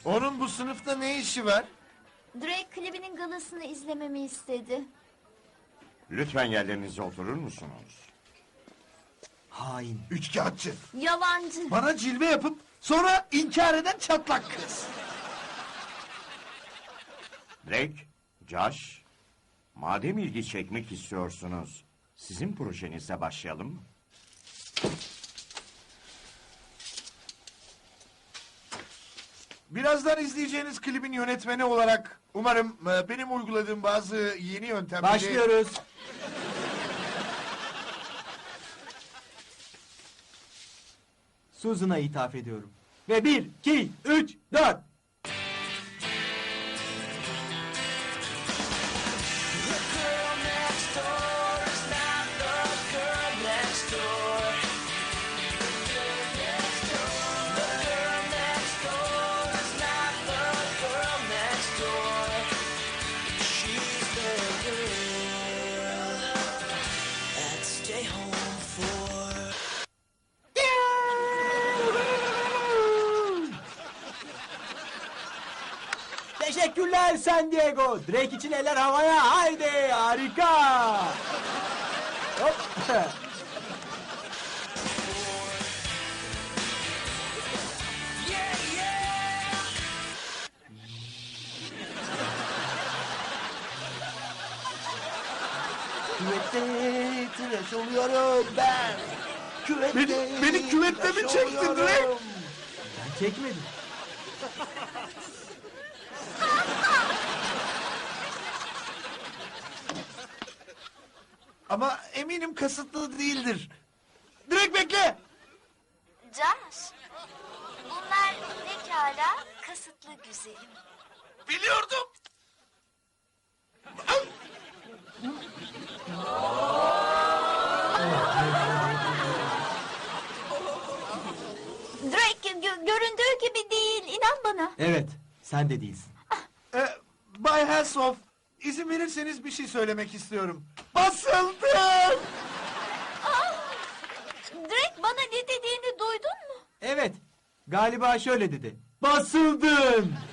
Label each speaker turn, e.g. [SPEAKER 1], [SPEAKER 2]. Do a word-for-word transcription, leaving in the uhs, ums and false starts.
[SPEAKER 1] Onun bu sınıfta ne işi var?
[SPEAKER 2] Drake klibinin galasını izlememi istedi.
[SPEAKER 3] Lütfen yerlerinize oturur musunuz?
[SPEAKER 1] Hain, üçkağıtçı.
[SPEAKER 2] Yalancı.
[SPEAKER 1] Bana cilve yapıp sonra inkar eden çatlak kız.
[SPEAKER 3] Drake, Josh, madem ilgi çekmek istiyorsunuz, sizin projenize başlayalım mı?
[SPEAKER 1] Birazdan izleyeceğiniz klibin yönetmeni olarak umarım e, benim uyguladığım bazı yeni yöntemleri...
[SPEAKER 4] Başlıyoruz. Susan'a ithaf ediyorum. Ve bir, iki, üç, dört. Teşekkürler San Diego. Drake için eller havaya. Haydi harika. Hop.
[SPEAKER 5] Küvette tıraş oluyorum ben. Küvette
[SPEAKER 1] Beni, beni küvette mi
[SPEAKER 5] tıraş
[SPEAKER 1] çektin
[SPEAKER 5] oluyorum.
[SPEAKER 1] Drake?
[SPEAKER 4] Ben çekmedim.
[SPEAKER 1] Ama eminim kasıtlı değildir. Drake bekle!
[SPEAKER 2] Josh. Bunlar pekala kasıtlı güzelim.
[SPEAKER 1] Biliyordum!
[SPEAKER 2] Drake gö- göründüğü gibi değil. İnan bana.
[SPEAKER 4] Evet, sen de değilsin.
[SPEAKER 1] Ee, Bay Hasselhoff, izin verirseniz bir şey söylemek istiyorum. Basıldım!
[SPEAKER 2] Drake bana ne dediğini duydun mu?
[SPEAKER 4] Evet, galiba şöyle dedi. Basıldın.